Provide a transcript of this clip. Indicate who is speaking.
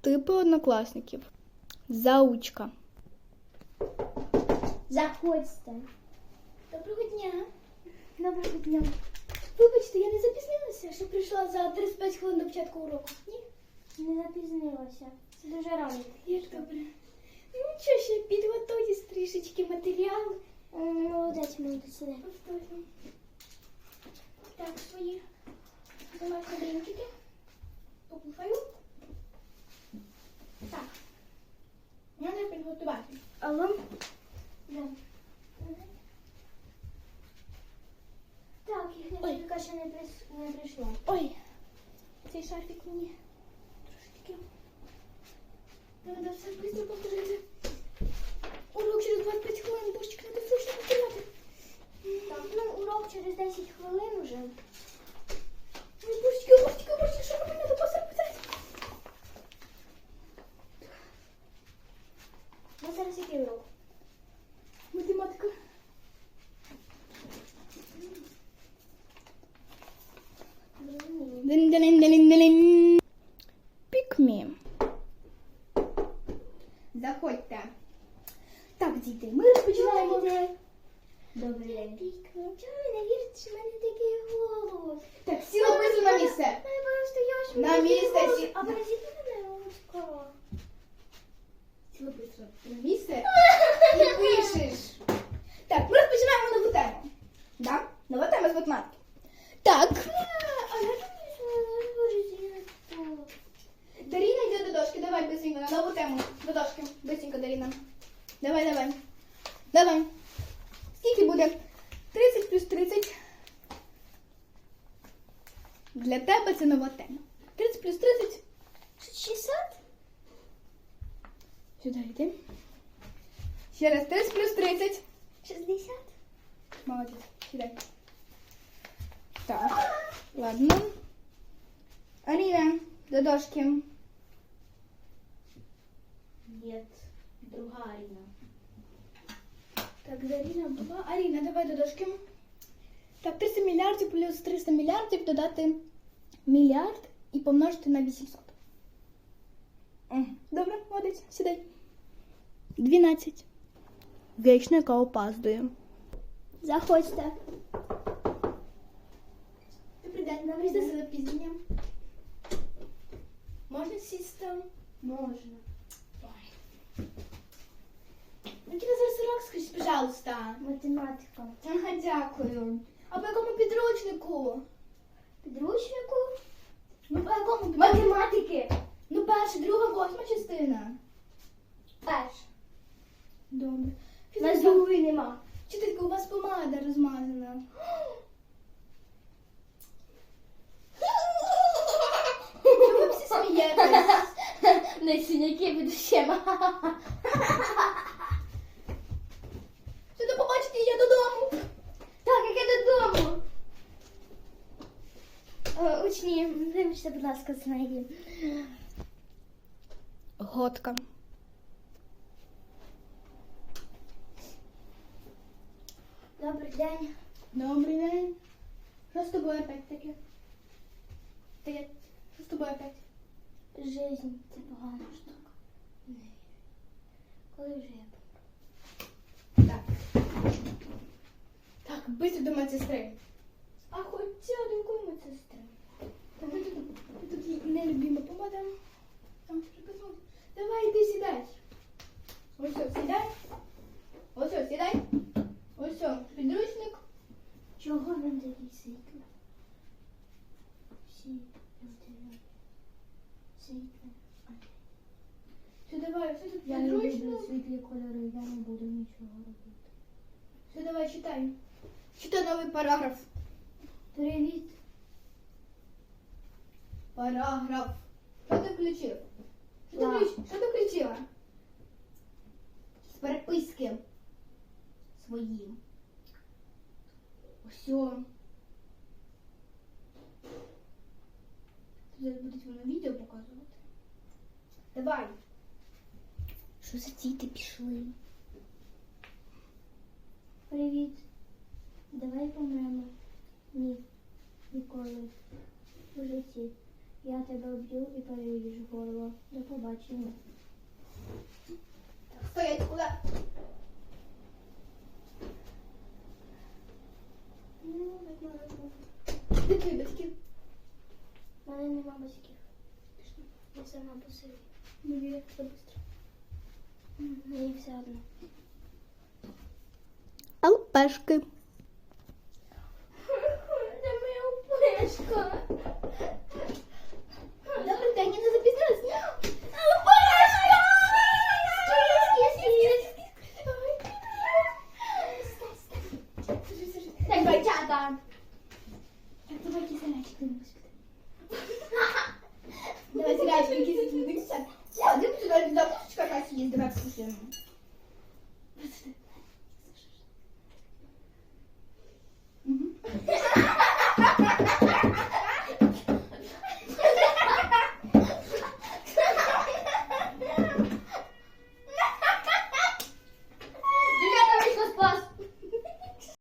Speaker 1: типи однокласників. Заучка.
Speaker 2: Заходьте.
Speaker 3: Доброго дня.
Speaker 2: Доброго дня.
Speaker 3: Вибачте, я не запізнилася, що прийшла за 35 хвилин до початку уроку. Ні?
Speaker 2: Не запізнилася. Це дуже рано.
Speaker 3: Як добре. Ну що, ще підготуйтесь трішечки матеріал.
Speaker 2: Молодець, молодець, сюди.
Speaker 3: Повторюю. Так, свої домашні дрінчики. Покушаю. Так. Треба підготувати.
Speaker 2: Алло? Да. Так, їхня
Speaker 3: Ой.
Speaker 2: вчителька ще не прийшла.
Speaker 3: Ой, цей шарфік мені трошечки. Треба все швидко повторити. Урок через 25 хвилин, божечки, треба срочно повторяти.
Speaker 2: Так, ну урок через 10 хвилин уже.
Speaker 3: Ой, божечки, що робити? Треба посеред.
Speaker 2: Ну зараз який урок?
Speaker 3: Математика.
Speaker 2: Зрозуміло.
Speaker 1: Дин-дин-дин-дин-дин. Пікмі. Заходьте. Так, діти, ми розпочинаємо вже.
Speaker 2: Добрий день. Чого ви не вірите, що в мене такий голос?
Speaker 1: Так, всі описуй на місце.
Speaker 2: Я просто я ж
Speaker 1: На
Speaker 2: такий
Speaker 1: місце
Speaker 2: голос.
Speaker 1: сі-
Speaker 2: А березіть мене ручка.
Speaker 1: Всі описуй на місце і пишеш. Так, ми розпочинаємо нову тему. Да? Нова тема з математики. Так.
Speaker 2: А я думаю, що я березіть.
Speaker 1: Даріна йде до дошки. Давай, быстренько, на нову тему. До дошки. Быстренько, Даріна. Давай. Давай. Скільки буде? 30 плюс 30. Для тебе це нова тема. 30 плюс 30.
Speaker 2: 60?
Speaker 1: Сюди йди. Ще раз. 30 плюс 30.
Speaker 2: 60?
Speaker 1: Молодець. Сюди. Так. Ладно. Аріна, до дошки.
Speaker 2: Нет, друга Арина.
Speaker 1: Так, Даріна була. Аріна, давай до дошки. Так, 300 мільярдів плюс 300 мільярдів додати мільярд і помножити на 800. Добре, молодець, сідай. 12. Вічно, яка опаздує.
Speaker 2: Заходьте.
Speaker 3: Добрий день, нам різне з запізненням. Можна сісти?
Speaker 2: Можна.
Speaker 3: Який зараз урок, скажіть, пожалуйста.
Speaker 2: Математика.
Speaker 3: Ага, дякую. А по якому підручнику?
Speaker 2: Підручнику?
Speaker 3: Ну, по якому підручнику?
Speaker 2: Математики.
Speaker 3: Ну, перша, друга, восьма частина.
Speaker 2: Перш.
Speaker 3: Добре.
Speaker 2: У нас другої нема.
Speaker 3: Вчителька, у вас помада розмазана. Чого ви всі смієтесь?
Speaker 2: Не синяки від ущема.
Speaker 3: Що до побачите, я додому.
Speaker 2: Так, як я додому. Учні, вибачте, будь ласка, з неї.
Speaker 1: Готка.
Speaker 2: Добрий день.
Speaker 3: Добрий день. Що з тобою опять таке? Таке, що з тобою опять?
Speaker 2: Жизнь – це погана штука. Не вірю. Коли вже я помру?
Speaker 3: Так. Так, быстро до медсестри. А хоча до якої медсестри? Там тут нелюбима помада. Там приписано. Давай, іди сідай. Ось все, сідай. Ось все, сідай. Ось все, підручник.
Speaker 2: Чого нам такі світло? Всі люди світло.
Speaker 3: Все, давай, все тут
Speaker 2: Я не люблю
Speaker 3: підручник.
Speaker 2: світлі кольори, я не буду нічого робити.
Speaker 3: Все, давай, читай. Читай новий параграф.
Speaker 2: Привіт.
Speaker 3: Параграф. Що ти включив?
Speaker 2: Ла.
Speaker 3: Що ти включила? З переписки своїм. Все. Зараз будуть воно відео показувати. Давай.
Speaker 2: Що за діти пішли? Привіт. Давай помремо. Ні. Ніколи. В житті. Я тебе вб'ю і переріжу горло. До побачення.
Speaker 1: Стоять, куди?
Speaker 2: Ну, так можна.
Speaker 1: Де твої батьки?
Speaker 2: У мене нема батьків. Я сама по собі.
Speaker 1: Ну, як це швидко.
Speaker 2: Мені все одно.
Speaker 1: Алпешки.
Speaker 2: Це моя пешка.